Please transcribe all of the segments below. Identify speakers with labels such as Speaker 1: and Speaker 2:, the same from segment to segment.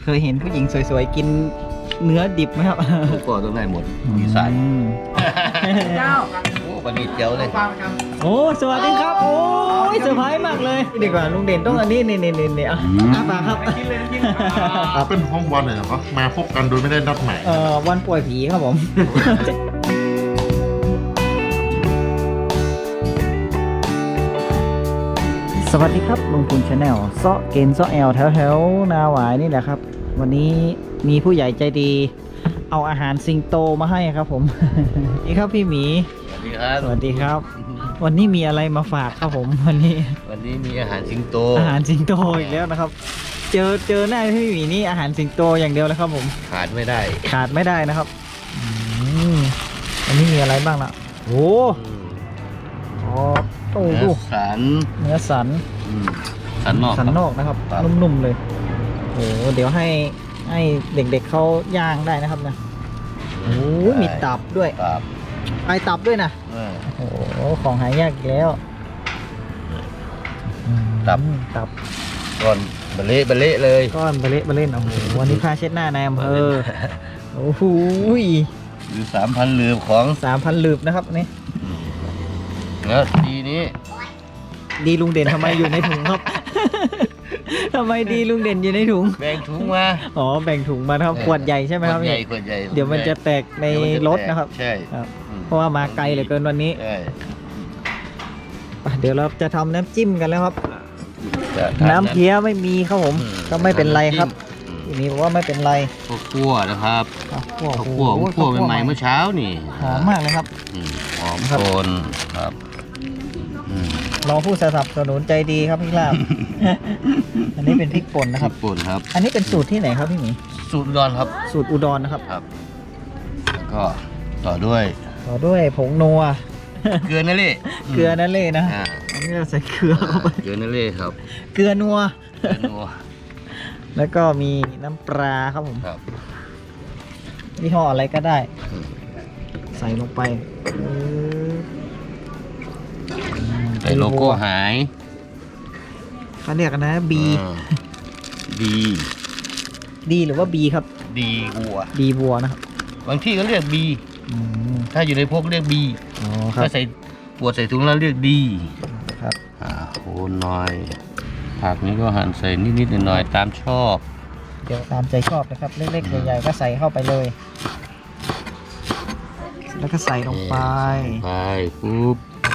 Speaker 1: เคยเห็นผู้หญิงสวยๆกินเนื้อดิบไหมครับ
Speaker 2: ก็ต้องได้หมดอีสาน
Speaker 3: เจ้า
Speaker 2: โอ้ปลาดีเจียวเลย
Speaker 1: โอ้สวัสดีครับโอ้ยเซอร์ไพรส์มากเลยดีกว่าลุงเด่นต้องอันนี้นี่อ่ะปากครับ
Speaker 4: เป็นห้องวันเลยเหรอมาพบกันโดยไม่ได้นัดหมาย
Speaker 1: วันป่วยผีครับผม สวัสดีครับลุงคุณชาแนลเซาะเกณฑ์เซาะแอลแถวๆนาหวายนี่แหละครับ วันนี้มีผู้ใหญ่ใจดี เอาอาหารสิงโตมาให้ครับผม นี่ครับพี่หมี
Speaker 2: สวัสดีครับ
Speaker 1: สวัสดีครับ วันนี้มีอะไรมาฝากครับผม วันนี้
Speaker 2: วันนี้มีอาหารสิงโต
Speaker 1: อาหารสิงโตอีกแล้วนะครับ เจอหน้าพี่หมีนี่อาหารสิงโตอย่างเดียวเลยครับผม
Speaker 2: ขาดไม่ได้
Speaker 1: ขาดไม่ได้นะครับอันนี้มีอะไรบ้างล่ะโอ้โอ้
Speaker 2: เนื้อสัน
Speaker 1: เนื้อสัน
Speaker 2: สันนอก
Speaker 1: สันนอกนะครับ
Speaker 2: ครับ
Speaker 1: นุ่มๆเลยโอ้เดี๋ยวให้เด็กๆเขาย่างได้นะครับนะโอ้มีตับด้วย
Speaker 2: ตับ
Speaker 1: ไอตับด้วยนะ
Speaker 2: เออ
Speaker 1: โอ้ของหายากอีกแล้ว
Speaker 2: ตับ
Speaker 1: ตับ
Speaker 2: ก่อนบะเละเลย
Speaker 1: ก้อนเบลเล่นโอ้โหวันนี้ค่าเช็ดหน้าในอำเภอโอ้โห
Speaker 2: หรือ3,000เหลือของ
Speaker 1: 3,000ลืบนะครับนี่
Speaker 2: แล้วทีนี้
Speaker 1: ดีลุงเด่นทำไมอยู่ในถุงครับ ทำไมดีลุงเด่นอยู่ในถุง
Speaker 2: แบ่งถุงมา
Speaker 1: อ๋อแบ่งถุงมานะครับขวดใหญ่ใช่ไหมครับ
Speaker 2: ขวดใหญ่
Speaker 1: พี่
Speaker 2: ขวดใหญ่
Speaker 1: เดี๋ยวมันจะแตกใน
Speaker 2: เดี๋ยวมันจะ
Speaker 1: รถนะครับ
Speaker 2: ใช่
Speaker 1: ครับ
Speaker 2: อืม
Speaker 1: เพราะว่ามาไกลเหลือเกินวันนี้
Speaker 2: ใช่
Speaker 1: ไปเดี๋ยวเราจะทำน้ำจิ้มกันแล้วครับ
Speaker 2: จะทา
Speaker 1: น้ำเพี้ยไม่มีครับผม ก็ไม่เป็นไรครับ
Speaker 2: อืม
Speaker 1: ทีนี้บอกว่าไม่เป็นไร
Speaker 2: ข้าวคั่วนะครับ
Speaker 1: ข้าวคั่ว
Speaker 2: ข้าวคั่วผมคั่วใหม่ๆเมื่อเช้านี่
Speaker 1: หอมมากเลยครับ
Speaker 2: อืมหอม
Speaker 1: ครับ
Speaker 2: โคนครับอืม
Speaker 1: รองผู้สนับสนุนใจดีครับพี่ลาบ อันนี้เป็นพริกป่นนะครับ
Speaker 2: ญี่ปุ่นครับ
Speaker 1: อันนี้เป็นสูตรที่ไหนครับพี่หมี
Speaker 2: สูตรอุดรครับ
Speaker 1: สูตรอุดรนะครับ
Speaker 2: ครับ แล้วก็ต่อด้วย
Speaker 1: ต่อด้วยผงนัว
Speaker 2: เกลือนั่นแหละ
Speaker 1: เกลือนั่นเลยนะ
Speaker 2: อ่า
Speaker 1: อันนี้เราใส่เกลือเข้าไป
Speaker 2: เกลือนั่นแหละครับ
Speaker 1: เกลือนัว
Speaker 2: เกลือนัว
Speaker 1: แล้วก็มีน้ำปลาครับผม
Speaker 2: ครับ
Speaker 1: ยี่ห้ออะไรก็ได้ ใส่ลงไป
Speaker 2: ใส่โลโก้หาย
Speaker 1: เขาเรียกกันนะ B
Speaker 2: ดี
Speaker 1: D หรือว่า B ครับ
Speaker 2: ดีวัว
Speaker 1: D บัวนะครับ
Speaker 2: บางที่ก็เรียกบี
Speaker 1: อืม
Speaker 2: ถ้าอยู่ในพวกเรียกบี
Speaker 1: อ๋อครับ
Speaker 2: ถ้าใส่ปวดใส่ถุงแล้วเรียกดี
Speaker 1: ครับ
Speaker 2: โคนหน่อยผักนี้ก็หั่นใส่นิดๆหน่อยๆตามชอบ
Speaker 1: เดี๋ยวตามใจชอบนะครับ เล็กๆใหญ่ๆก็ใส่เข้าไปเลย แล้วก็ใส่ลงไป
Speaker 2: ไปปุ๊บ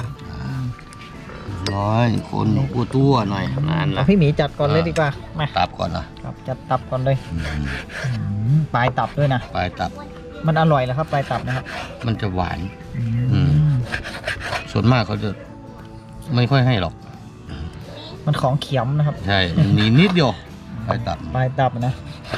Speaker 2: ร้อยคนตัวหน่อยนานละ
Speaker 1: เอาพี่หมีจัดก่อนเลยดีกว่า มา
Speaker 2: ตับก่อนนะ
Speaker 1: ครับจัดตับก่อนเลยปลายตับด้วยนะ
Speaker 2: ปลายตับ
Speaker 1: มันอร่อยแล้วครับปลายตับนะครับ
Speaker 2: มันจะหวาน
Speaker 1: อืม
Speaker 2: ส่วนมากเขาจะไม่ค่อยให้หรอก
Speaker 1: มันของเขียมนะครับ
Speaker 2: ใช่มันมีนิดเดียวปลายตับ
Speaker 1: ปลายตับนะ
Speaker 2: ใช่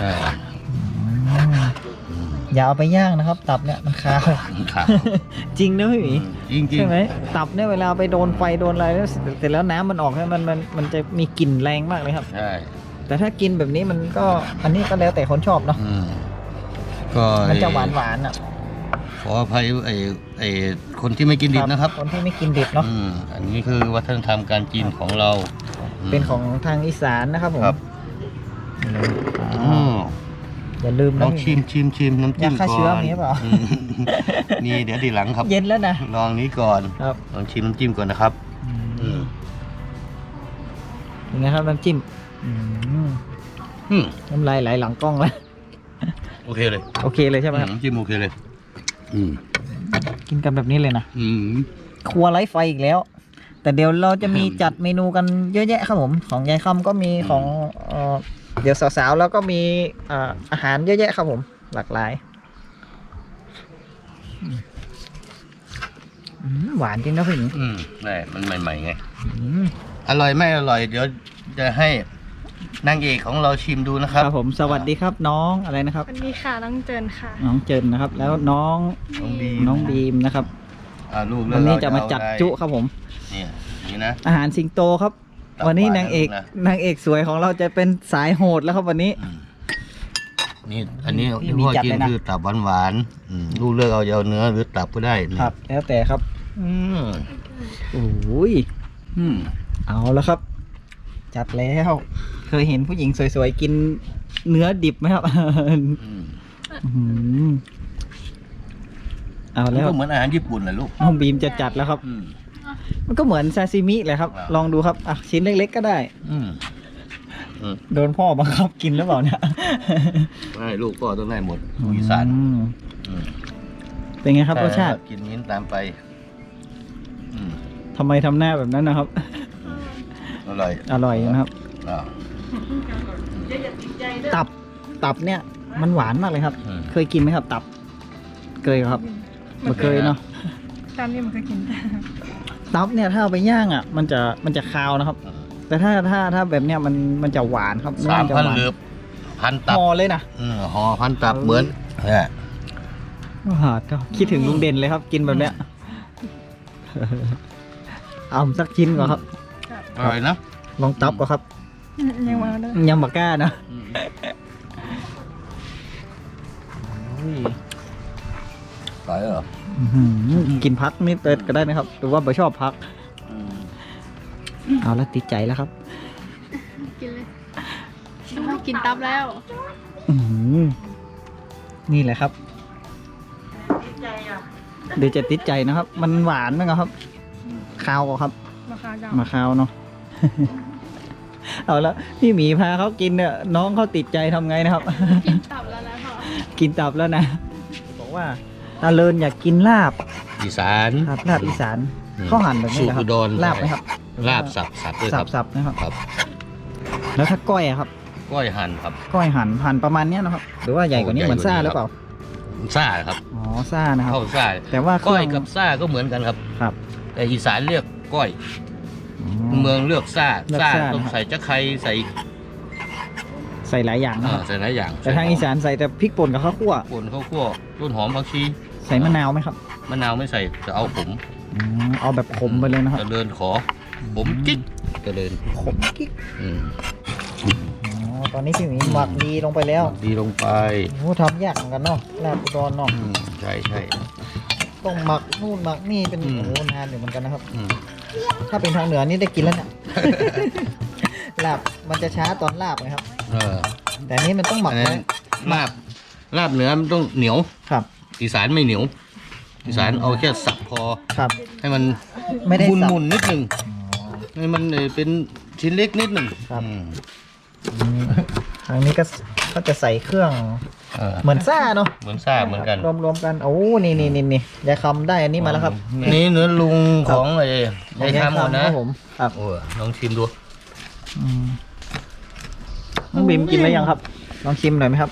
Speaker 1: อย่าเอาไปย่างนะครับ ตับเนี่ยมันคาว
Speaker 2: ขาด
Speaker 1: จริงนะพี่หมี
Speaker 2: จริง
Speaker 1: ใช่ไหมตับเนี่ยเวลาไปโดนไฟโดนอะไรแล้วเสร็จแล้วน้ำมันออกเนี่ยมันจะมีกลิ่นแรงมากเลยครับ
Speaker 2: ใช่
Speaker 1: แต่ถ้ากินแบบนี้มันก็อันนี้ก็แล้วแต่คนชอบเนาะ
Speaker 2: ก็
Speaker 1: มันจะหวานอ่ะ
Speaker 2: ขออภัยไอ้คนที่ไม่กินดิบนะครับ
Speaker 1: คนที่ไม่กินดิบเนาะ
Speaker 2: อันนี้คือวัฒนธรรมการกินของเรา
Speaker 1: เป็นของทางอีสานนะครับผม
Speaker 2: ครับ
Speaker 1: อ่าอย่าลืม
Speaker 2: ล
Speaker 1: นะ
Speaker 2: องชิมน้ำจิ้ม
Speaker 1: ยาฆ่า
Speaker 2: ก่
Speaker 1: เชื้อ
Speaker 2: อน
Speaker 1: มีหรือเปล่า
Speaker 2: มีเดี๋ยวทีหลังครับ
Speaker 1: เย็นแล้วนะ
Speaker 2: ลองนี้ก่อน
Speaker 1: ครับ
Speaker 2: ลองชิมน้ำจิ้มก่อนนะครับ
Speaker 1: ยังไงครับน้ำจิ้มน้ำลายไหลหลังกล้องแล้ว
Speaker 2: โอเคเลย
Speaker 1: โอเคเลยใช่ไหมครับ
Speaker 2: น้ำจิ้มโอเคเลย
Speaker 1: กินกันแบบนี้เลยนะ
Speaker 2: อืม
Speaker 1: ครัวไร้ไฟอีกแล้ว แต่เดี๋ยวเราจะมีจัดเมนูกันเยอะแยะครับผมของยายคำก็มีของเดี๋ยวสาวๆแล้วก็มีอาหารเยอะแยะครับผมหลากหลายหวานจริงนะพี่หมี
Speaker 2: ได้มันใหม่ๆไง
Speaker 1: อืม
Speaker 2: อร่อยไม่อร่อย เดี๋ยวจะให้นางเอกของเราชิมดูนะค
Speaker 1: ครับ รับผมสวัสดีครับน้องอะไรนะครับ
Speaker 3: วันนี้ค่ะน้องเจินค่ะ
Speaker 1: น้องเจินนะครับ แล้วน้องบีมนะครับ
Speaker 2: ลูก
Speaker 1: วันนี้จะมาจัดจุครับผม
Speaker 2: เนี่ยนี่นะ
Speaker 1: อาหารสิงโตครับ
Speaker 2: ตับ
Speaker 1: วันนี้
Speaker 2: หวาน
Speaker 1: นางเอก
Speaker 2: นะ
Speaker 1: นางเอกสวยของเราจะเป็นสายโหดแล้วครับวันนี้
Speaker 2: นี่อันนี้
Speaker 1: พี่
Speaker 2: ที่
Speaker 1: มี
Speaker 2: พ่อ
Speaker 1: จัด
Speaker 2: กิน
Speaker 1: เลยนะ
Speaker 2: คือตับหวานๆลูกเลือกเอาเนื้อหรือตับก็ได้นี่
Speaker 1: ครับ แล้วแต่ครับ
Speaker 2: อืม
Speaker 1: โอ้ย
Speaker 2: อืม
Speaker 1: เอาแล้วครับ จัดแล้ว เคยเห็นผู้หญิงสวยๆกินเนื้อดิบไหมครับ
Speaker 2: อืม
Speaker 1: อื้อหือเอา
Speaker 2: มัน
Speaker 1: แล้ว
Speaker 2: ก็เหมือนอาหารญี่ปุ่นแหละลูก
Speaker 1: น้องบีมจะจัดแล้วครับ
Speaker 2: อืม
Speaker 1: มันก็เหมือนซาซิมิเลยครับ
Speaker 2: ครับ
Speaker 1: ลองดูครับอ่ะชิ้นเล็กๆก็ได้
Speaker 2: อืมอืม
Speaker 1: โดนพ่อบังคับกินหรือเปล่าเนี่ย
Speaker 2: ให้ลูกก็ต้องได้หมดลูกอีสาน
Speaker 1: อืม
Speaker 2: อืม
Speaker 1: เป็นไงครับรสชาติ
Speaker 2: กินมิ้นตามไป อืม
Speaker 1: ทำไมทำหน้าแบบนั้นนะครับ
Speaker 2: อร่อย
Speaker 1: อร่อยนะครับ
Speaker 2: อ่า
Speaker 1: ตับเนี่ยมันหวานมากเลยครับ
Speaker 2: อืม
Speaker 1: เคยกินไหมครับ ตับเคยครับไม่เคยเนาะ
Speaker 3: ตามนี้มันก็กินได้
Speaker 1: ตับเนี่ยถ้าเอาไปย่างอ่ะ มันจะคาวนะครับ แต่ถ้าแบบเนี้ยมันจะหวานครับเนื้อ
Speaker 2: 3,000
Speaker 1: จะหวาน
Speaker 2: เหลือบพันตับ
Speaker 1: ห่อเลยนะ
Speaker 2: ห่อพันตับเหมือนเนี่ย
Speaker 1: คิดถึงลุงเด่นเลยครับ กินแบบเนี้ย เอาสักชิ้นก่อนครับ
Speaker 2: อร่อยนะ
Speaker 1: ลองตับก่อนครับ
Speaker 3: ยังมาเลย
Speaker 1: ยังบักกล้านะ
Speaker 2: อร่อยเหรอ
Speaker 1: อื้อหือกินพักนิดเดียวก็ได้นะครับหรือว่าไม่ชอบพัก เอาแล้วติดใจแล้วครับ
Speaker 3: กินเลยต้องกินตับแล้ว
Speaker 1: อื้อหือนี่แหละครับเดี๋ยวจะติดใจนะครับ มันหวานไหมครับคาวอะครับ
Speaker 3: ราคาเก่า
Speaker 1: มาคาวเนาะ เอาแล้วพี่หมีพาเขากินเนี่ยน้องเขาติดใจทำไงนะครับ
Speaker 3: กินตับแล้วนะพ่อ
Speaker 1: กินตับแล้วนะ บอกว่าตาเลินอยากกินลาบ
Speaker 2: อีสาน
Speaker 1: ครับลาบอีสาน
Speaker 2: อืม
Speaker 1: เขาหั่นแบบนี้เหรอครั
Speaker 2: สูตรอุดร
Speaker 1: ลาบไหมครับ
Speaker 2: ลาบสับด้วยครับ
Speaker 1: สับนะครับ
Speaker 2: ครับ
Speaker 1: แล้วถ้าก้อยอะครับ
Speaker 2: ก้อยหั่นครับ
Speaker 1: ก้อยหั่นประมาณเนี้ยนะครับ หรือว่าใหญ่กว่านี้
Speaker 2: โอ้
Speaker 1: เหมือนซ่า
Speaker 2: ใหญ่
Speaker 1: ห
Speaker 2: กว่านี้
Speaker 1: รือเปล่า
Speaker 2: ซ่าครับ
Speaker 1: อ๋อซ่านะครับ
Speaker 2: เข้าซ่า
Speaker 1: แต่ว่าเค
Speaker 2: ก้
Speaker 1: รื่
Speaker 2: อ
Speaker 1: อย ง
Speaker 2: กับซ่าก็เหมือนกันครับ
Speaker 1: ครับ
Speaker 2: แต่อีสานเรียกก้อย
Speaker 1: อ๋อ
Speaker 2: เมืองเลือกซ่า
Speaker 1: เลือก
Speaker 2: ซ่า
Speaker 1: ซ่า
Speaker 2: ต้อง
Speaker 1: นะครับ
Speaker 2: ใส่จะไคร้ใส่
Speaker 1: ใส่หลายอย่างนะครับ
Speaker 2: ใส่หลายอย่าง
Speaker 1: แต่ทางอีสานใส่แต่พริกป่นกับข้าวคั่ว
Speaker 2: ป่นข้าวคั่วต้นหอมผักชี
Speaker 1: ใส่มะนาวไหมครับ
Speaker 2: มะนาวไม่ใส่จะเอาขม
Speaker 1: อ๋อเอาแบบขมไปเลยนะครับ
Speaker 2: เจริญขอผมกิ๊กเจริญ
Speaker 1: ขมกิ๊ก
Speaker 2: อืม
Speaker 1: อ๋อตอนนี้พี่หมีหมักดีลงไปแล้ว
Speaker 2: ดีลงไป
Speaker 1: โอ้ทำยากเหมือนกันเนาะลาบอุดรเนาะ
Speaker 2: อืมใช่ใช่
Speaker 1: ต้องหมักนู่นหมักนี่เป็น
Speaker 2: อืม
Speaker 1: โอ้นานอยู่เหมือนกันนะครับ
Speaker 2: อืม
Speaker 1: ถ้าเป็นทางเหนือนี่ได้กินแล้วเนี่ย ลาบมันจะช้าตอนลาบนะครับ
Speaker 2: เออ
Speaker 1: แต่อันนี้มันต้องหมั
Speaker 2: อั
Speaker 1: ก
Speaker 2: น
Speaker 1: ไว้
Speaker 2: นั้นลาบเนื้อมันต้องเหนียว
Speaker 1: ครับ
Speaker 2: อีสานไม่เหนียว อีสานเอาแค่สับพอ
Speaker 1: ครับ
Speaker 2: ให้มัน
Speaker 1: ไม่ได้
Speaker 2: มุน
Speaker 1: สับ
Speaker 2: มุนๆนิดหนึ่งให้มันเป็นชิ้นเล็กนิดหนึ่ง
Speaker 1: ครับ
Speaker 2: อืม
Speaker 1: ทางนี้ก็จะใส่เครื่อง
Speaker 2: เออ
Speaker 1: เหมือนซ่าเนาะ
Speaker 2: เหมือนซ่าเหมือนกัน
Speaker 1: รวมๆกันโอ้นี่ยายคำได้อันนี้มาแล้วครับ
Speaker 2: นี่เนื้อลุงของไอ้
Speaker 1: ของ
Speaker 2: ยายทำหมด
Speaker 1: ค
Speaker 2: นะ
Speaker 1: รับผมครับ
Speaker 2: โอ้ลองชิมดู
Speaker 1: อืมน้องบิมกินแล้วยังครับ ลองชิมหน่อยไหมครับ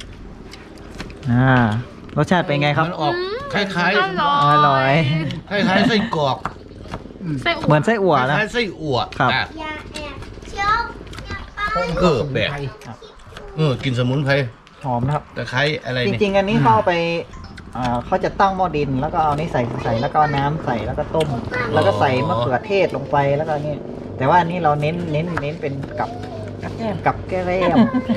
Speaker 1: รสชาติเป็นไงครับ
Speaker 2: มันออกคล้าย
Speaker 1: อร่อย
Speaker 2: ๆคล้ายๆไส้กรอก
Speaker 3: ไส้อั่ว
Speaker 1: เหมือนไส้อั่ว
Speaker 2: ค
Speaker 1: นะ
Speaker 2: ล้ายๆไส้อั่ว
Speaker 1: ครับ
Speaker 2: อ่ะ
Speaker 5: อย่าแอบเชียวอย่าไป
Speaker 2: แปลกกินสมุนไพร
Speaker 1: หอมนะครับ
Speaker 2: ตะไคร้อะไร
Speaker 1: จ
Speaker 2: เนี่ย
Speaker 1: ริงๆ อันนี้เขาเอาไปเขาจะตั้งหม้อดิน แล้วก็เอานี่ใส่แล้วก็เอาน้ำใส่แล้วก็ต้ม แล้วก็ใส่มะเขือเทศลงไปแล้วก็นี่แต่ว่าอันนี้เราเน้นเป็นกับแก้ม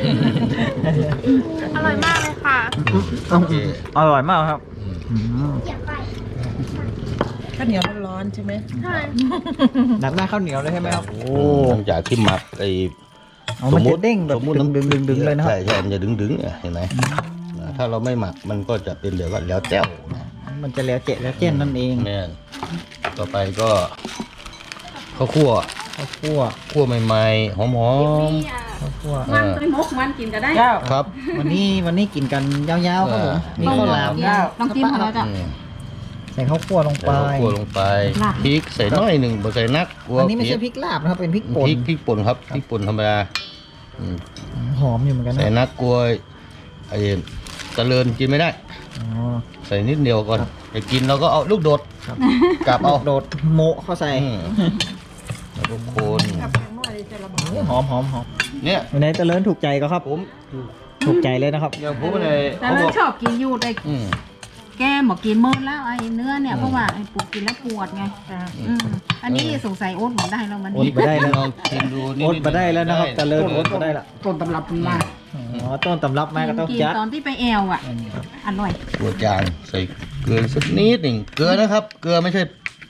Speaker 3: อร่อยมากเลยค่ะ
Speaker 2: โอเค
Speaker 1: อร่อยมากครับ
Speaker 5: อย่าไป
Speaker 6: ข้าวเหนียวร้อนๆใช่ไหม
Speaker 3: ใช่
Speaker 1: ดักหน้าข้าวเหนียวเลยใช่ไหมครับ โอ้
Speaker 2: หลังจากที่หมักไอ้
Speaker 1: มันจะเด้งแบบ
Speaker 2: สมมุติ
Speaker 1: ดึงเลยนะครับ
Speaker 2: ใช่ใช่มันจะดึงๆเนี่ยเห็นไหมถ้าเราไม่หมักมันก็จะเป็นเดี๋ยวก็แล้วแจ้วนะ
Speaker 1: มันจะแล้วเจ๊นนั่นเอง
Speaker 2: แม่นต่อไปก็ข้าวคั่ว
Speaker 1: ข้าวคั่ว
Speaker 2: คั่วใหม่ๆหอม
Speaker 1: ข้าวคั่ว
Speaker 2: ๆ
Speaker 3: มันไปมกมันกินก็ได้
Speaker 2: ครับ
Speaker 1: วันนี้กินกันยาวๆครับผมมีข้าวหลาม
Speaker 3: ลองจิ้มของเราจ้ะ
Speaker 2: อืม
Speaker 1: ใส่ข้าวคั่วลงไป
Speaker 2: ใส่ข้าวคั่วลงไปพริกใส่น้อยหนึ่งบ่ใส่นักกลัว
Speaker 1: อันนี้ไม่ใช่
Speaker 2: เผ็ด
Speaker 1: พริกลาบนะครับเป็นพริกป่น
Speaker 2: พริกป่นครับพริกป่นธรรมดาอืม
Speaker 1: หอมอยู่เหมือนกัน
Speaker 2: ใส่
Speaker 1: นะ
Speaker 2: นักกลัวไอ้ตะเลินกินไม่ได้
Speaker 1: อ๋อ
Speaker 2: ใส่นิดเดียวก่อนจะกินเราก็เอาลูกโดด
Speaker 1: ครับ
Speaker 2: กลับเอา
Speaker 1: โดดโมะเข้าใส่
Speaker 2: อืมแล้วก็โคน
Speaker 1: หอม
Speaker 2: เนี่ย
Speaker 1: วันนี้เจริญถูกใจก็ครับ
Speaker 2: ผม
Speaker 1: ถูกใจเลยนะครับ
Speaker 2: อย่างผมเลย
Speaker 6: แต่
Speaker 2: เขาบ
Speaker 6: เรา
Speaker 2: อก
Speaker 6: ชอบกินอยู่แต่
Speaker 2: อืม
Speaker 6: แกบอกกินหมดแล้วไอ้เนื้อเนี่ยเพราะว่าไอ้ปวดกินแล้วปวดไงอันนี้สงสัยโอ๊ตหมดได้แล้วมัน
Speaker 1: โอ๊ตมาได้แล้ว
Speaker 2: ลองชิมดูนิ
Speaker 1: โอ๊ตมาได้แล้วนะครับเจริญ
Speaker 2: ได้
Speaker 1: โอ๊ตมาได้ละ
Speaker 6: ต้นตำรับมันมา
Speaker 1: อ๋อต้นตำรับมาก็ต้อง
Speaker 6: กิน
Speaker 1: จัด
Speaker 6: ตอนที่ไปแอวอ่ะอร่อย
Speaker 2: ตัวจานใส่เกลือสักนิดหนึ่งเกลือนะครับ เกลือไม่ใช่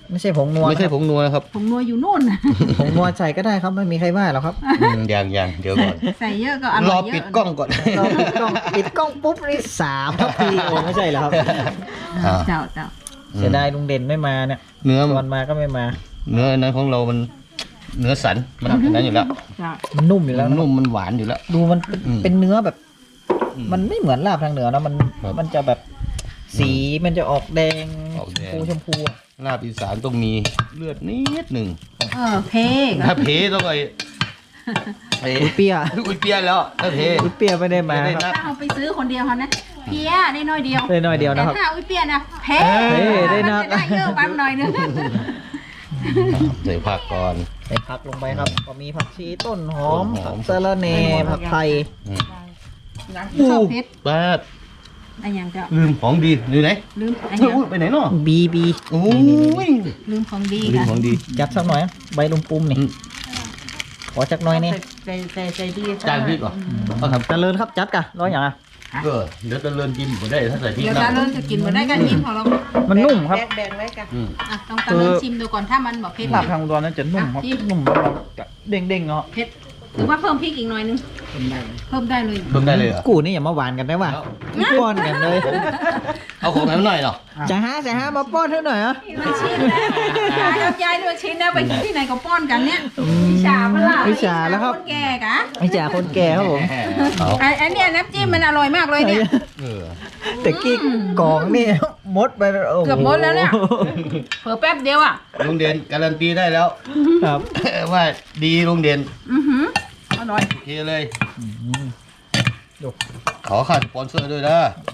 Speaker 1: ไม่ใช่ผงนัว
Speaker 2: ไม่ใช่ผงนัวนะครับ
Speaker 6: ผงนัวอยู่นู่น
Speaker 1: ผงนัวใส่ก็ได้ครับไม่มีใครว่าหรอกครับ
Speaker 2: อย่างเดี๋ยวก่อน
Speaker 6: ใส่เยอะก็อ
Speaker 2: ร
Speaker 6: ร่
Speaker 2: อ
Speaker 6: อยเยอะ
Speaker 2: ปิดกล้องก่อน
Speaker 1: เราปิดกล้องปุ๊บนี่3 ทัพพีโอ้ไม่ใช่เหรอครับ
Speaker 2: อ่า
Speaker 6: เจ้า
Speaker 1: เสียดายลุงเด่นไม่มาเนี่ย
Speaker 2: เนื้อ
Speaker 1: ชวนมาก็ไม่มา
Speaker 2: เนื้อนั้นของเรามันเนื้อสันมันเป็นนั้นอยู่แล้ว
Speaker 6: เจ้า
Speaker 1: มันนุ่มอยู่
Speaker 2: มั
Speaker 1: แล้ว
Speaker 2: น
Speaker 1: นะ
Speaker 2: นุ่มมันหวานอยู่แล้ว
Speaker 1: ดูมันเป็น
Speaker 2: อืม
Speaker 1: เป็นเนื้อแบบ
Speaker 2: อืม
Speaker 1: มันไม่เหมือนลาบทางเหนือนะมัน
Speaker 2: ครับ
Speaker 1: มันจะแบบสีมันจะออกแดง
Speaker 2: ออกแดง
Speaker 1: ชมพูอะ
Speaker 2: ลาบอีสานต้องมีเลือดนิดหนึ่ง
Speaker 6: เพก
Speaker 2: ถ้าเพต้องไอ้
Speaker 1: อุ้ยเปีย
Speaker 2: อุ้ยเปียแล้วถ้าเพ
Speaker 1: อุ้ยเปียไม่ได้มา
Speaker 2: ไม่ได้
Speaker 1: ครับ
Speaker 2: นับ
Speaker 6: ถ้าเอาไปซื้อคนเดียวเขานะเพี้ยได้น้อยเดียว
Speaker 1: ได้น้อยเดียว
Speaker 6: แต่
Speaker 1: นะครับ
Speaker 6: ถ้าอุ้ยเปียนะเพ
Speaker 1: ได้นัก
Speaker 6: มันจะได้เยอะปั๊มหน่อยนึง
Speaker 2: ใส่ผักก่อน
Speaker 1: ใส่ผักลงไปครับก็มีผักชีต้นหอม
Speaker 2: ต้นหอ
Speaker 1: ผั
Speaker 2: ม
Speaker 1: กสะระแหน่ผักไทย
Speaker 2: อืม
Speaker 6: ชอบเพชร
Speaker 2: บ้า
Speaker 6: ไอ้ยังเจ้า
Speaker 2: ลืมของดีอยู่ไหน
Speaker 6: ลืมไอ้
Speaker 2: เฮ้
Speaker 6: ยั
Speaker 2: ย
Speaker 6: ง
Speaker 2: อุ๊ยไปไหนเนาะ
Speaker 1: บี
Speaker 2: โอ้ย
Speaker 6: ลืมของดี
Speaker 2: ลืม
Speaker 6: ค่ะ
Speaker 2: ของดี
Speaker 1: จัดสักหน่อยใบลุมปุ้มนี่
Speaker 2: อืม
Speaker 1: ขอจักหน่อยนี่
Speaker 6: ใจดี
Speaker 2: จานพริกเหรอเอาทำ
Speaker 1: เจริญครับจัดกะร้อยอย่างอ่ะ
Speaker 2: เดี๋ยวจะเลินกินผมได้ถ้าใส่พริก
Speaker 6: เดี๋ยว
Speaker 2: นะ
Speaker 6: ตาเลินจะกินมาได้กันยิ้มของเรา
Speaker 1: มันนุ่มครับ
Speaker 2: อืม
Speaker 6: อ่ะต้องตาเลินชิมดูก่อนถ้ามันบอกเผ็ด
Speaker 1: ลาบทางอุดรนั้นจะนุ่มครับนุ่มแล้วเราจะเด้งๆเนาะ
Speaker 6: เผ็ดหรือว่าเพิ่มพริกอีกหน่อยนึงเพิ่มได้เลย
Speaker 2: เพิ่มได้เลยเหรอ
Speaker 1: กูนี่อย่ามาหวานกันได้ว่ะป้อนกันเลย
Speaker 2: เอาของไหนมาหน่อยเหรอ
Speaker 1: จะหามาป้อนเท่าหน่อยเหรอ
Speaker 6: มันชิ้นนะยายด้วยชิ้นนะไปที่ไหนก็ป้อนกันเนี่ยวิชาพละ
Speaker 1: วิชาแล้วครับ
Speaker 6: คนแก่กะ
Speaker 1: ไม่จ่าคนแก่ครับผม
Speaker 2: เอา
Speaker 6: ไอ้เนี่ยน้ำจิ้มมันอร่อยมากเลยเนี่ย
Speaker 2: เออ
Speaker 1: แต่กี้กล่องนี่มดไปโอ้โ
Speaker 6: เกือบหมดแล้วเนี่ย เผลอแป๊บเดียวอ่ะ
Speaker 2: ลุงเด่นการันตีได้แล้ว
Speaker 1: ครับ
Speaker 2: ว่าดีลุงเด่น
Speaker 6: อร่อย
Speaker 2: โอเคเลย
Speaker 1: ดู
Speaker 2: ขอค่าสปอนเซอร์ด้วยนะ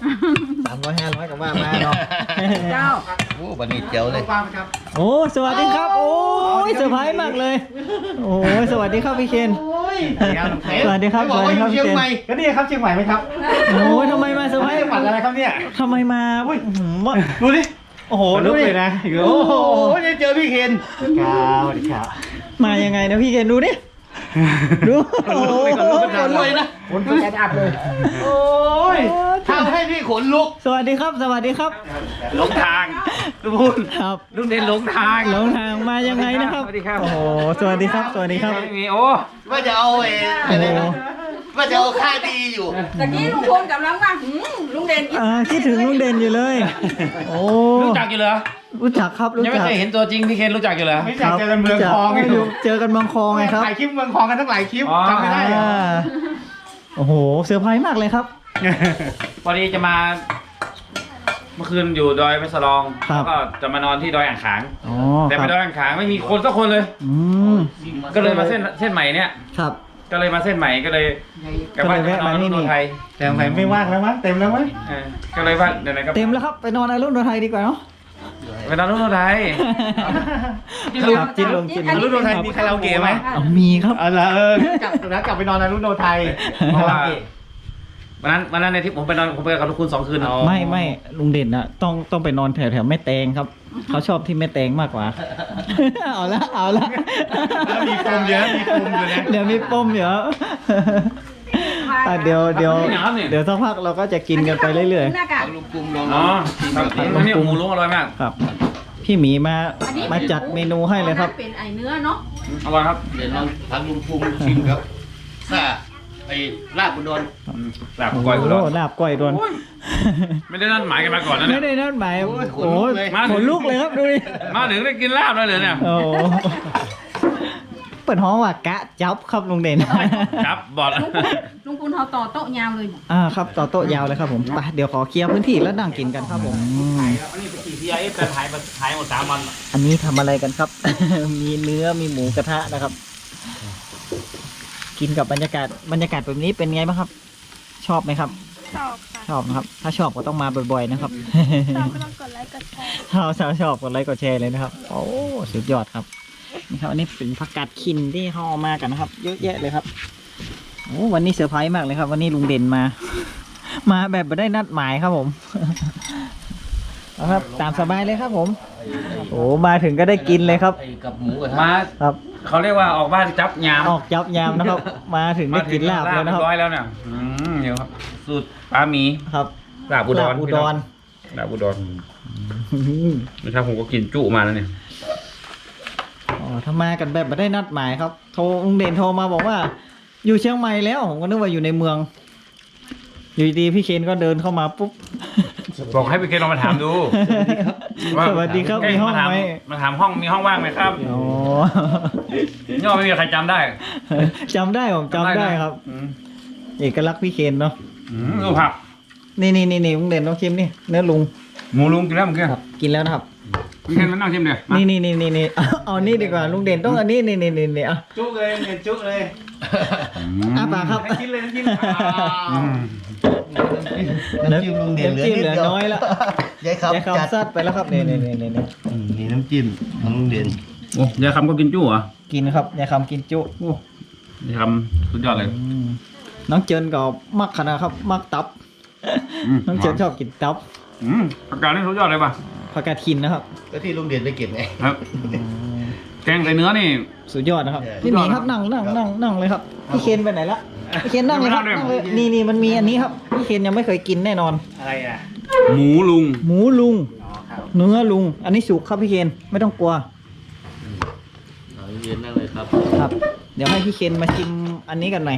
Speaker 1: 300-500กับว่ามาเนาะ
Speaker 6: เจ้า
Speaker 2: โอ้บันนี้เจ๋วเลย
Speaker 1: โอ้สวัสดีครับ โอ้ยเซอร์ไพรส์มากเลย โอ้ยสวัสดีครับพี่เคนสวัสดีครับสวัสดีครับพี่เคน
Speaker 7: ก็นี่ครับเชียงใหม่ไหมครับ
Speaker 1: โอ้ยทำไมมาเซอร์ไพรส์
Speaker 7: จังหวัดอะไรครับเนี่ย
Speaker 1: ทำไมมาอุ้ยว่า
Speaker 7: ดูดิ โอ้โห
Speaker 1: ดู
Speaker 7: ดู
Speaker 1: ดิ
Speaker 7: เลยนะ
Speaker 2: โอ้โหได้เจอพี่เคน
Speaker 7: ครับสวัสดีครับ
Speaker 1: มายังไงนะพี่เคนดูดิดูโอ้โห
Speaker 2: ขนลุกเลยนะ
Speaker 7: คนเป็นแอดอัพเลย
Speaker 2: โอ้ยทำให้พี่ขนลุก
Speaker 1: สวัสดีครับ สวัสดีครับ
Speaker 7: หลงทางทุกคน
Speaker 1: ครับ
Speaker 7: ลุงเด่นหลงทาง
Speaker 1: หลงทางมายังไงนะครับ
Speaker 7: สวัสดีครับ
Speaker 1: โอ้โหสวัสดีครับสวัสดีครับ
Speaker 7: มีโอ้
Speaker 2: ว่าจะเอาอะไรนะว่าจะเอาค่าดีอยู่
Speaker 6: ตะกี้ลุงพลกำลังว่าลุงเด่น
Speaker 1: คิดถึงลุงเด่นอยู่เลย โอ้
Speaker 7: รู้จักอยู่เหรอ
Speaker 1: รู้จักครับรู้
Speaker 7: ยังไม่
Speaker 1: จัก
Speaker 7: เคยเห็นตัวจริงพี่เคนรู้จักอยู่เหรอ
Speaker 1: ไม่เจอกันเมืองคลองเจอกันเมืองคลองไงครับ
Speaker 7: ถ่ายคลิปเมืองคลองกันทั้งหลายคลิปจำไม่ได้เหรอ
Speaker 1: โอ้โหเซอร์ไพรส์มากเลยครับ
Speaker 7: พอดีจะมาเมื่อคืนอยู่ดอยแม่สลอง
Speaker 1: ครับ
Speaker 7: แล้วก็จะมานอนที่ดอยอ่างขาง
Speaker 1: อ๋อ
Speaker 7: แต่
Speaker 1: ค
Speaker 7: ไป
Speaker 1: รับ
Speaker 7: ดอยอ่างขางไม่มีคนสักคนเลย
Speaker 1: อืม
Speaker 7: ก็เลยมาเส้นใหม่เนี่ย
Speaker 1: ครับ
Speaker 7: ก็เลยมาเส้นใหม่ก็เลยกลับบ้าน
Speaker 1: ก็เลยแวะมาที่นี่
Speaker 7: นอนไทย
Speaker 4: แต่ไหนไม่ว่างแล้วมั้งเต็มแล้วมั้ง
Speaker 7: ก็เลยว่าเดี๋ยวไหนก็
Speaker 1: เต็มแล้วครับไปนอนในรุ่นไทยดีกว่าเนาะ
Speaker 7: ไปนอนรุ่นไทย
Speaker 1: ครับจิ้นลงจิ้นลง
Speaker 7: รุ่นไทยมีคาราโอเกะไหม
Speaker 1: เอามีครับ
Speaker 7: เออละกลับไปนอนในรุ่นไทยเพราะว่าวันนั้นในที่ผมไปกับทุกคุณ2 คืน
Speaker 1: ไม่ลุงเด่นอะต้องไปนอนแถวแม่แตงครับเขาชอบที่แม่แตงมากกว่า เอาละ
Speaker 7: มีปมเยอะมีปมอยู่นะ
Speaker 1: เดี๋ยวมีปมเยอะเดี๋ยวสักพักเราก็จะกินกันไปเรื่อย
Speaker 6: หน้ากาก
Speaker 2: ลุงปรุงลอง
Speaker 7: อ๋อครับนี่หมูลุงอร่อยมาก
Speaker 1: ๆครับ พี่หมีมาจัดเมนูให้เลยครับ
Speaker 6: เป็นไอเนื้อเนาะ
Speaker 7: อร่อยครับ
Speaker 2: เดี๋ยวลองทำลุงปรุงชิมครับซ่าไอ้ลาบอุดร
Speaker 7: ลาบก้อยอุดร
Speaker 1: โลาบก้อยดวน
Speaker 7: ไม่ได้นัดหมายกันมาก่อนนะ
Speaker 1: ไม่
Speaker 7: เนี่ย
Speaker 1: ได้นัดหมาย
Speaker 2: โอ้ยขน
Speaker 1: โอ้
Speaker 2: ลุก
Speaker 1: ย
Speaker 2: เลย
Speaker 1: ขนลุกเลยครับดูดิ
Speaker 7: มาถึงได้กินลาบแล้วเลยเนี่ย
Speaker 1: โอ้เปิดห้องว่ากะจับครับลุงเด่น
Speaker 7: ครับบอด
Speaker 6: ลุงพูนเขาต่อโต๊ะยาวเลย
Speaker 1: ครับต่อโต๊ะยาวเลยครับผมไปเดี๋ยวขอเคลียร์พื้นที่แล้วนั่งกินกันครับผม
Speaker 7: อันนี้ไปขี่ CIF แต่ถ่ายหมด3 วัน
Speaker 1: อันนี้ทำอะไรกันครับ มีเนื้อมีหมูกระทะนะครับ กินกับบรรยากาศแบบนี้เป็นไงบ้างครับ ชอบไหมครับ
Speaker 5: ชอบค่ะ
Speaker 1: ชอบนะครับ ถ้าชอบก็ต้องมาบ่อยๆนะครับ
Speaker 5: ชอบก็ต้องกดไลค์กดแชร์
Speaker 1: ชอบกดไลค์กดแชร์เลยนะครับ โอ้สุดยอดครับนี่ครับอันนี้เป็นผักกาดขินที่ห่อมากันนะครับ เยอะแยะเลยครับโอ้วันนี้เซอร์ไพรส์มากเลยครับ วันนี้ลุงเด่นมา มาแบบไม่ได้นัดหมายครับผม เอาครับตามสบายเลยครับผมโอ้มาถึงก็ได้กินเลยครับ
Speaker 2: ไอ้กับหมูกระทะ
Speaker 7: มา
Speaker 1: ครับ
Speaker 7: เขาเรียกว่าออกบ้านจับยาม
Speaker 1: ออกยับยามนะครับ มาถึงได้กินลาบแล้วนะครับ
Speaker 7: เรียบร้อยแล้วเนี่ยเดี๋ยวครับสูตรปลาหมี
Speaker 1: ครับ
Speaker 7: ลาบอุดร
Speaker 1: ลาบอุดร
Speaker 7: ลาบอุดรไม่ใช่ผมก็กินจุมาแล้วเนี่ย
Speaker 1: ถ้ามากันแบบไม่ได้นัดหมายครับโทรลุงเด่นโทรมาบอกว่า อยู่เชียงใหม่แล้วผมก็นึกว่าอยู่ในเมือง อยู่ดีๆพี่เคนก็เดินเข้ามาปุ๊บ
Speaker 7: บอกให้พี่เคนลองมาถามดูว่า
Speaker 1: สวัสดีครับมีห้องไหม
Speaker 7: มาถามห้องมีห้องว่างไหมครับ
Speaker 1: อ๋อ
Speaker 7: ย่อไม่มีใครจำได้
Speaker 1: จำได้ผมจำได้ครับ เอกลักษณ์พี่เคนเนาะ
Speaker 7: ดูผัก
Speaker 1: นี่ลุงเด่นต้องชิมนี่เนื้อลุง
Speaker 7: หมูลุงกินแล้วเมื่อกี้
Speaker 1: ครับกินแล้วนะครับ
Speaker 7: พี่เคนมานั่งชิมเดี๋ยว
Speaker 1: นี่เอานี่ดีกว่าลุงเด่นต้องอันนี้นี่อ่ะ
Speaker 2: จุกเลยเนี่ยจุกเลย
Speaker 1: อ้าปากครับ
Speaker 2: กินเลยกิน
Speaker 1: น้ำ
Speaker 2: น้ำจิ้มลุงเด่น
Speaker 1: จิ้มเหลือน้อยแล้ว
Speaker 2: ยายครับ
Speaker 1: ยาย
Speaker 2: จัด
Speaker 1: คำซัดไปแล้วครับนี่
Speaker 2: นี่น้ำจิ้มของลุงเด่น
Speaker 7: โอ้ยายคำก็กินจู้เหรอ
Speaker 1: กินครับยายคำกินจุ
Speaker 7: โอ้ยายคำสุดยอดเลย
Speaker 1: น้องเจินก็มักขนาดครับมักตับ น้องเจินชอบกินตับ
Speaker 7: ผักกาดนี่สุดยอดเลยป่ะ
Speaker 1: ผักกาดขินนะครับ
Speaker 2: ก็ที่ลุงเด่นไปเก็บไง
Speaker 7: ครับ แกงใส่เนื้อนี่
Speaker 1: สุดยอดนะครับ
Speaker 2: ใช่
Speaker 1: พี่หมีครับนั่งเลยครับพี่เคนไปไหนละพี่เคนนั่งเลยครับ
Speaker 7: นั่งเลย
Speaker 1: นั่งเลยนี่มันมีอันนี้ครับพี่เคนยังไม่เคยกินแน่นอน
Speaker 2: อะไรอ่ะ
Speaker 7: หมูลุง
Speaker 1: หมูลุง
Speaker 2: อ๋อครับ
Speaker 1: เนื้อลุง อันนี้สุกครับพี่เคนไม่ต้องกลัว
Speaker 2: เอาเย็นนั่งเลยครับ
Speaker 1: ครับ เดี๋ยวให้พี่เคนมาชิมอันนี้กันหน่อย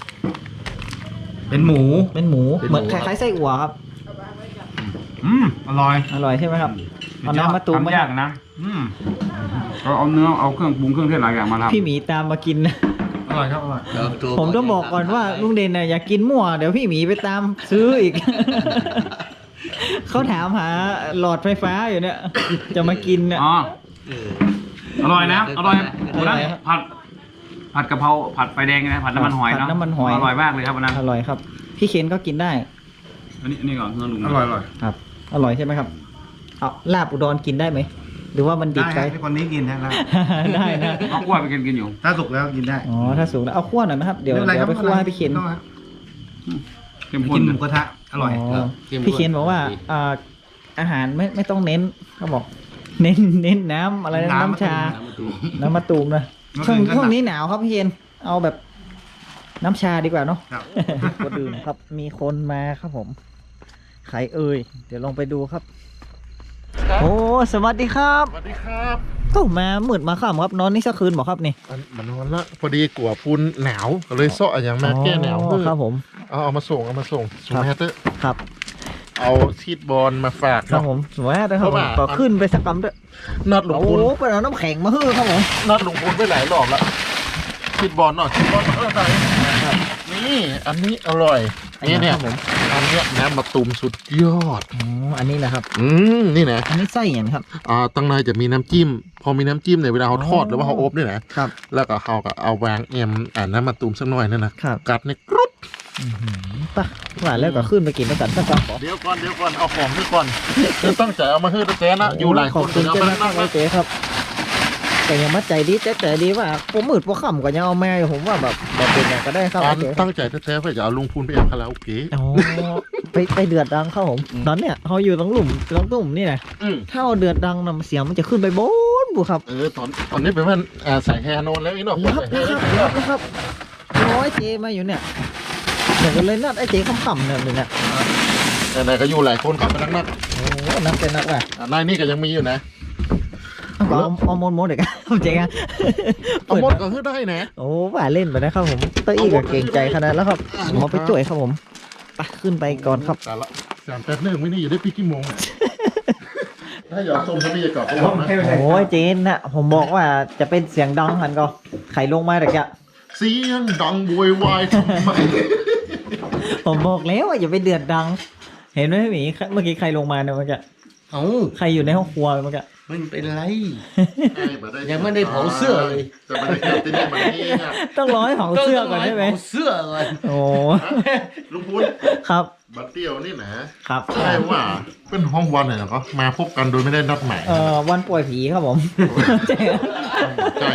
Speaker 7: เป็นหมู
Speaker 1: เป็นหมูเหมือนคล้ายๆไส้อั่วครับ
Speaker 7: อร่อย
Speaker 1: อร่อยใช่ไหมครับเอาน้ำมาตูมไหม
Speaker 7: ทำยากนะก็เอาเนื้อเอาเครื่องปรุงเครื่องเทศหลายอย่างมาทำ
Speaker 1: พี่หมีตามมากินนะ
Speaker 7: อร่อยครับอร่อย
Speaker 1: ผมต้องบอกก่อนว่าลุงเด่นน่ะอยากกินมั่วเดี๋ยวพี่หมีไปตามซื้ออีก เขาถามหาหลอดไฟฟ้าอยู่เนี่ย จะมากินเนี่ย
Speaker 7: อ๋ออร่อยนะอร่อย
Speaker 1: อร่อยครับ
Speaker 7: ผัดกะเพราผัดไฟแดงนะผัดน้ำมันหอย
Speaker 1: ผั
Speaker 7: เนาะ
Speaker 1: ดน้ำมันหอย
Speaker 7: อร่อยมากเลยครับวันนั้น
Speaker 1: อร่อยครับ พี่เคนก็กินได้
Speaker 7: อันนี้ก่อนเนื้อลุงอร่อยอร่อย
Speaker 1: ครับ อร่อยใช่ไหมครับเอาลาบอุดรกินได้ไหมหรือว่ามันดิบไป
Speaker 2: คนนี้กินนะครับ
Speaker 1: ได้นะ
Speaker 7: เอากล้วยไปกินอยู่
Speaker 2: ถ้าสุกแล้วกินได้
Speaker 1: อ๋อถ้าสูงแล้วเอาคั่วหน่อยไหมครับเดี๋ยวไปคั่วให้พี่เคน
Speaker 7: เข้มข้
Speaker 2: กิ
Speaker 7: น
Speaker 2: นหมูกระทะอร่อย
Speaker 1: พี่เคนบอกว่าอาหารไม่ต้องเน้นเขาบอก เน้นน้ำอะไรนะน้ำชา น้ำมะตูมนะช่วงนี้หนาวครับพี่เคนเอาแบบน้ำชาดีกว่าเนาะ
Speaker 2: ครับ
Speaker 1: ก็ดื่มครับ มีคนมาครับผมใครเอ่ยเดี๋ยวลองไปดูครับ โอ้สวัสดีครับ
Speaker 4: สวัสดีครับ
Speaker 1: ก็มามืดมาค่ำครับนอนนี่สักคืนบอกครับนี่
Speaker 4: มันนอนละพอดีกลัวปูนหนาวก็เลยเซาะอย่างมาแก้หนาว
Speaker 1: อ๋อครับผม
Speaker 4: เอามาส่งส่ง
Speaker 1: ครับ
Speaker 4: แมตเตอร์
Speaker 1: ครับ
Speaker 4: เอาชีดบอลมาฝาก
Speaker 1: ครับผมสวยมากเลยครับผมก็ขึ้นไปสักกำด้วย
Speaker 4: นัดหลวง
Speaker 1: โอ้
Speaker 4: พูน
Speaker 1: โหเป็นเอาน้ำแข็งมาฮื้อครับผม
Speaker 4: นัดหลวงพูนไปหลายรอบแล้วชีดบอลหน่อยชีดบอลอะไรนี่อันนี้อร่อยนี่เนี่ย
Speaker 1: ครับผม
Speaker 4: อันเนี้ยน้ำมะตูมสุดยอด
Speaker 1: อ๋ออันนี้นะครับ
Speaker 4: นี่นะ
Speaker 1: อันนี้ไส้อย่างครับ
Speaker 4: ตั้งในจะมีน้ำจิ้ม พอมีน้ำจิ้มเนี่ยเวลาเขาทอดหรือว่าเขาอบเนี่ยนะครับ แล้วก็เขาก็เอาวางแอมน้ำมะตูมสักหน่อยนั่นนะครับ กัดเนี่ยกรุบ
Speaker 1: ปะว่าแล้วก็ขึ้นไปกินด้วยกันสักกำ
Speaker 4: เดี๋ยวก่อนเอาของนี่ก่อนคือตั้งใจเอามาให้แจ๊นะอยู่หลาย
Speaker 1: ข
Speaker 4: ค
Speaker 1: อบ
Speaker 4: น
Speaker 1: คุณ
Speaker 4: เอา
Speaker 1: เจ้า
Speaker 4: มา
Speaker 1: มากเลยเจ๊ครับ แต่ยังมัดใจดีแต่ดีว่าผมมืดผมค่ำก็ยังเอาแม่ผมว่าแบบเป็นอย่างก็ได้ครับ
Speaker 4: การ
Speaker 1: เจ๊
Speaker 4: ตั้งใจแท้ๆเพื่อจะเอาลุงพูนไปแอบคาราโอเกะ
Speaker 1: อ๋อไปเดือดดังเข้าผมตอนเนี้ยเขาอยู่ตรงหลุมตรงตุ่มนี่นะถ้าเอาเดือดดังนำเสียงมันจะขึ้นไปบนบุครับ
Speaker 4: ตอนนี้เป็นว่าสายแฮโนนแล้วอีกเนาะ
Speaker 1: รับนะครับร้อยเจมาอยู่เนี่ยเดี๋ยวก็เลยนัดไอ้เจขำๆเนี่ยเนี่ย
Speaker 4: แต่ไหนก็อยู่หลายคนขับไปนัก
Speaker 1: โอ้นัดเป็นนัดว่ะ
Speaker 4: นายนี่ก็ยังมีอยู่นะ
Speaker 1: เอาโมเด็กเจ๊กัน
Speaker 4: เอาหมดก็คือได้นะ
Speaker 1: โอ้ว่าเล่นไปนะครับผมเต้ยกับเก่งใจขนาดแล้วครับผมเอาไปจ่วยครับผมไปขึ้นไปก่อนครับ
Speaker 4: แต่ละ3-8ไม่นี่อยู่ได้ปีกี่โมงถ้าอยากชมทวีก่อนก็บอกนะ
Speaker 1: โอ้ยเจนนะผมบอกว่าจะเป็นเสียงดังหันก็ไข่ลงมาแต่แก
Speaker 4: เสียงดังโวยวายทำไม
Speaker 1: ผมบอกแล้วว่าอย่าไปเดือดดัง เห็นไหมพี่หมีเมื่อกี้ใครลงมาเนี่ยเมื่อกี้
Speaker 2: เอ้า
Speaker 1: ใครอยู่ในห้องครัวเมื่อกี้
Speaker 2: มันเป็นไร
Speaker 4: ยั
Speaker 2: ยังไม่ได้เผาเสื้อเลย
Speaker 4: แต่บรรยากาศที่นี่มันนี่นะ
Speaker 1: ต้องรอให้เผาเสื้อก่อนใช่ไหม
Speaker 2: เผาเสื้อเลย
Speaker 1: โอ้
Speaker 4: ลุงพูน
Speaker 1: ครับ
Speaker 4: บัตเตียวนี่นะครับ ใช่ว่าเป็นห้องวันเหรอก็มาพบกันโดยไม่ได้นัดหมาย
Speaker 1: วันป่วยผีครับผม
Speaker 4: ใช่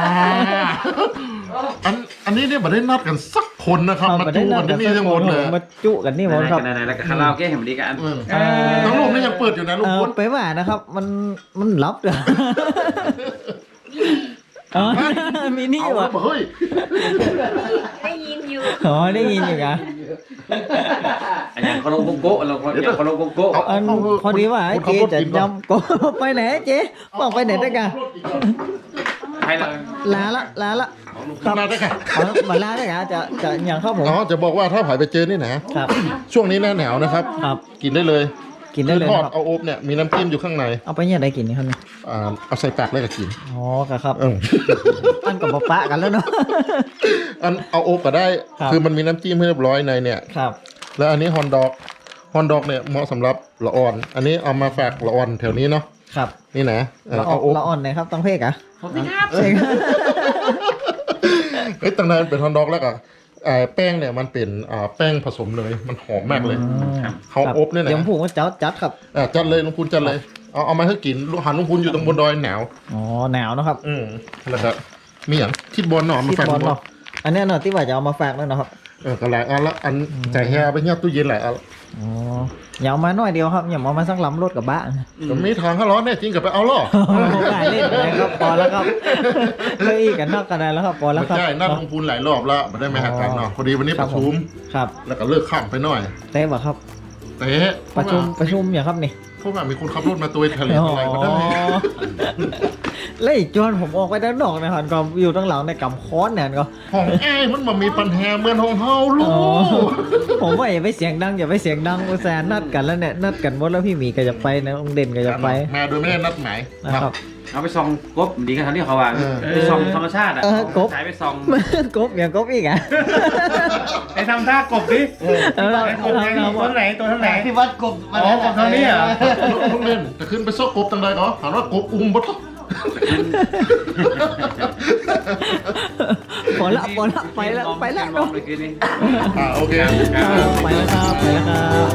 Speaker 4: กันอันนี้เนี่ยไม่ได้นัดกันสักคนนะครับมาจูกันที่นี่ทั้งหมดเลย
Speaker 1: มาจุกันนี่หมดครับ
Speaker 7: ไหนๆแล้วก็คาราโอเกะเห็นดีกัน
Speaker 4: ทั้งรูปนี่ยังเปิดอยู่นะลุงพูน
Speaker 1: ไปว่านะครับ มันลับเด้ออ๋อมีนี่
Speaker 4: เอา
Speaker 1: วะ
Speaker 4: เฮ้ย
Speaker 5: ได้ยินอยู่
Speaker 1: อ๋อได้ยินอยู่นะ
Speaker 7: อย่างคาราโกะเราอย่างคาราโกะ
Speaker 1: อันพอดีว่าไอ้เจ๊จะจำก็ไปไหนเจ๊บอกไปไหนได้กัน
Speaker 7: ใครเลย
Speaker 1: ลาละ
Speaker 4: ทำมาได้ค่ะ
Speaker 1: เอามาลาได้ไงจะอย่างครับผม
Speaker 4: อ๋อจะบอกว่าถ้าผายไปเจอนี่นะครับ ช่วงนี้หน้าหนาวนะครับ
Speaker 1: ครับ
Speaker 4: กินได้เลย
Speaker 1: กินได้เลย
Speaker 4: ทอด
Speaker 1: นะครับ
Speaker 4: เอาอบเนี่ยมีน้ำจิ้มอยู่ข้างใน
Speaker 1: เอาไปเนี่ยได้กินนี่ครับเนี่ย
Speaker 4: เอาใส่ปากเลยก็กิน
Speaker 1: อ๋อครับ
Speaker 4: เออ
Speaker 1: อันกับปะกันแล้วเนาะ
Speaker 4: อันเอาอบก็ได้
Speaker 1: ครับ
Speaker 4: คือมันมีน้ำจิ้มให้เรียบร้อยในเนี่ย
Speaker 1: ครับ
Speaker 4: แล้วอันนี้ฮอนดอกเนี่ยเหมาะสำหรับละอ่อน อันนี้เอามาฝากละอ่อนแถวนี้เนาะ
Speaker 1: ครับ
Speaker 4: นี่นะเออ
Speaker 1: เรา
Speaker 4: เอาอบ
Speaker 1: อ่อนนะครับต้องเพกอะ
Speaker 7: ผมสิครับ
Speaker 1: เอ้ย
Speaker 4: เอ้ยตั้งนานเป็นฮอนดอกแล้วก็แป้งเนี่ยมันเป็นแป้งผสมเลยมันหอมมากเลย เขาอบเนี่ยนะ
Speaker 1: เดี๋ยวผมผูกว่าจัดครับ
Speaker 4: จัดเลยลุงคุณจัดเลยเอามาให้กินหันลุงคุณอยู่ตรงบนดอยหนาว
Speaker 1: อ๋อหนาวนะครับ
Speaker 4: แล้วก็มีอย่างคิดบอลหน่อมา
Speaker 1: ที่
Speaker 4: ฝาก
Speaker 1: บอล
Speaker 4: บอล
Speaker 1: เนาะอันเนี้ยเนาะที่ว่าจะเอามาฝากแล้วเนาะครับ
Speaker 4: ก็หลายอันละอันใจแฮไปเงียบตู้เย็นหลายอัน
Speaker 1: อ๋ออย่าเอามาหน่อยเดียวครับอย่าเอามาสักลำรถกับบ้าน
Speaker 4: ก็มีทางถ้าร้อนแน่จริงกับไปเอาหรอ
Speaker 1: ง่ายเล่นนะครับพอแล้วครับเลยอีกกันนอกกันได้แล้วครับพอแล้ว
Speaker 4: ไม่
Speaker 1: ครับ
Speaker 4: ใช่นัดลงทุนหลายรอบแล้วไม่ได้มาหากันเนาะพอดีวันนี้ประชุม
Speaker 1: ครับ
Speaker 4: แล้วก็เลิกข้ามไปหน่อย
Speaker 1: เต้บ่ครับ
Speaker 4: เตะ
Speaker 1: ประชุมอย่างครับนี่
Speaker 4: เพราะว่ามีคนขับรถมาตัวทะเลอะไรก็ได้
Speaker 1: แล้วอีกจวนผมออกไปด้านนอกนะครับก็อยู่ตั้งหลังในกำค้อนเนี่ยก็
Speaker 4: ห้องแอ้มันมามีปัญหาเหมือนห้องเฮาลู
Speaker 1: อ๋อก ผมว่าอย่าไปเสียงดังอย่าไปเสียงดังอุตส่าห์นัดกันแล้วเนี่ยนัดกันหมดแล้วพี่หมีก็จะไปนะองเด่นก็จะไป
Speaker 4: มาโดยไม่ได้นัดหมาย
Speaker 1: นะครับ
Speaker 7: เอาไปส่องกบดีกันทางที่เขาว่าไปส่องธรรมชาติอ่ะ
Speaker 1: กบ
Speaker 7: สายไปส่อง
Speaker 1: กบอย่างกบอีกอ่ะ
Speaker 7: ไปทำท่ากบดิ
Speaker 1: เรา
Speaker 7: ไอ้กบไงตัวไหนตัวเท่าไหน
Speaker 2: ที่วัดกบ
Speaker 7: อ๋อกบเท่านี้เหรอ
Speaker 4: ลุงเล่นแต่ขึ้นไปซอกกบตังใดก็ถามว่ากบอุ้มบ่ท
Speaker 1: พอละไปแล้วเนาะ
Speaker 7: ไปคืนนี้
Speaker 4: โอเค
Speaker 1: ไปแล้วครับ